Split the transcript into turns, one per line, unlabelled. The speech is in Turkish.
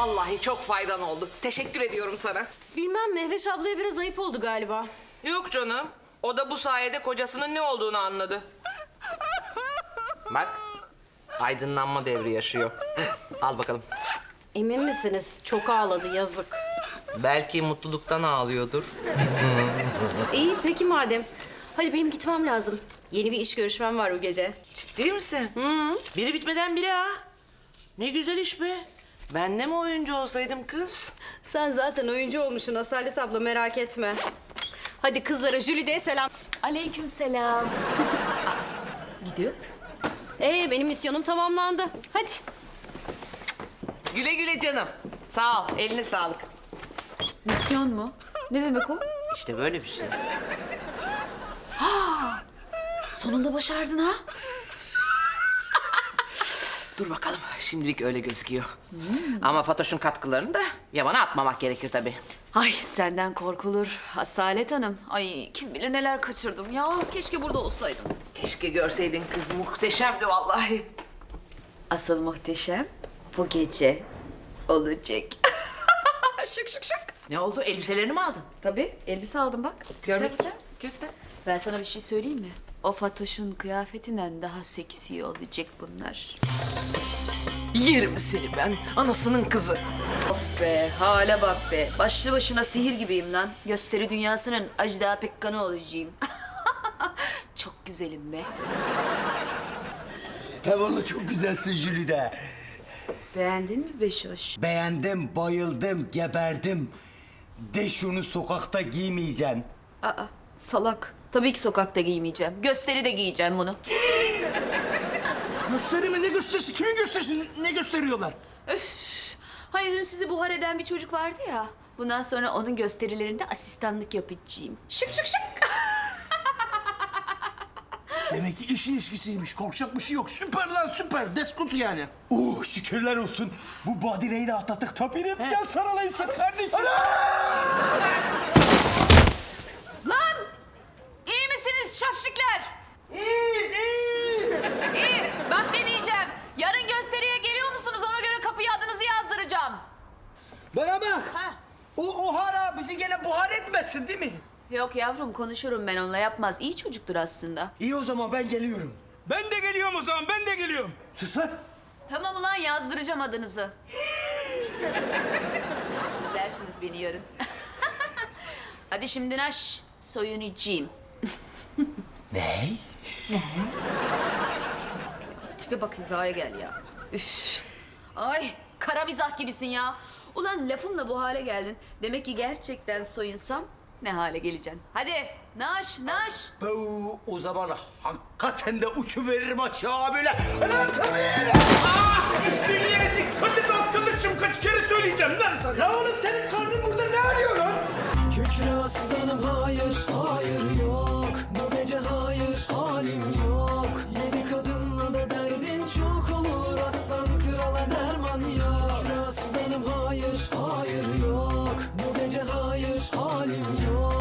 Vallahi çok faydan oldu. Teşekkür ediyorum sana.
Bilmem, Mehveş ablaya biraz ayıp oldu galiba.
Yok canım. O da bu sayede kocasının ne olduğunu anladı. Bak, aydınlanma devri yaşıyor. Al bakalım.
Emin misiniz? Çok ağladı, yazık.
Belki mutluluktan ağlıyordur.
İyi, peki madem. Hadi benim gitmem lazım. Yeni bir iş görüşmem var bu gece.
Ciddi misin? Biri bitmeden biri ha. Ne güzel iş be. Ben de mi oyuncu olsaydım kız?
Sen zaten oyuncu olmuşsun Asalet abla, merak etme. Hadi kızlara, Jülide'ye selam.
Aleykümselam. Gidiyor musun?
Benim misyonum tamamlandı. Hadi.
Güle güle canım. Sağ ol, eline sağlık.
Misyon mu? Ne demek o?
İşte böyle bir şey.
Sonunda başardın ha?
Dur bakalım, şimdilik öyle gözüküyor. Ama Fatoş'un katkılarını da yabana atmamak gerekir tabii.
Ay senden korkulur Asalet Hanım. Ay kim bilir neler kaçırdım ya. Keşke burada olsaydım.
Keşke görseydin kız, muhteşemdi vallahi.
Asıl muhteşem bu gece olacak. Şık şık şık.
Ne oldu, elbiselerini mi aldın?
Tabii elbise aldım bak. Görmek ister misin?
Göster.
Ben sana bir şey söyleyeyim mi? O Fatoş'un kıyafetinden daha seksi olacak bunlar.
Yerim seni ben, anasının kızı.
Of be, hale bak be. Başlı başına sihir gibiyim lan. Gösteri dünyasının Ajda Pekkan'ı olacağım. Çok güzelim be.
He valla çok güzelsin Jülide.
Beğendin mi Beşoş?
Beğendim, bayıldım, geberdim. De şunu sokakta giymeyeceksin.
Aa, salak. Tabii ki sokakta giymeyeceğim. Gösteri de giyeceğim bunu.
Gösteri mi? Ne gösterisi? Kimin gösterisi? Ne gösteriyorlar?
Öf. Hani dün sizi buhar eden bir çocuk vardı ya. Bundan sonra onun gösterilerinde asistanlık yapacağım. Şık şık şık.
Demek ki iş ilişkisiymiş. Korkacak bir şey yok. Süper lan süper. Deskut yani.
Oh şükürler olsun. Bu badireyi de atlattık tapirim. Gel sarılayım sen kardeşim.
Lan! İyi misiniz şapşikler?
İyiyiz, iyiyiz.
İyi. Bak ne diyeceğim. Yarın gösteriye geliyor musunuz? Ona göre kapıya adınızı yazdıracağım.
Bana bak.
Ha.
O hara bizi gene buhar etmesin değil mi?
Yok yavrum konuşurum ben onunla yapmaz. İyi çocuktur aslında.
İyi o zaman ben geliyorum.
Ben de geliyorum o zaman. Ben de geliyorum.
Sus lan.
Tamam ulan yazdıracağım adınızı. İzlersiniz beni yarın. Hadi şimdi naş. Soyunacağım.
Ne?
Tipe bak hizaya gel ya. Üf. Ay kara mizah gibisin ya. Ulan lafımla bu hale geldin. Demek ki gerçekten soyunsam ne hale geleceksin. Hadi naş naş.
Bu o zaman hakikaten de uçu veririm aşağı böyle. Lan tabii.
Dünyaya dikkat et arkadaşım. Kaç kere söyleyeceğim lan sana.
Ya oğlum senin karnın burada ne arıyor lan?
Kükre aslanım hayır, hayır yok. Bu gece hayır, halim yok. Yedi kadınla da derdin çok olur. Aslan krala derman yok. Kükre aslanım hayır, hayır yok. Bu gece hayır, halim yok.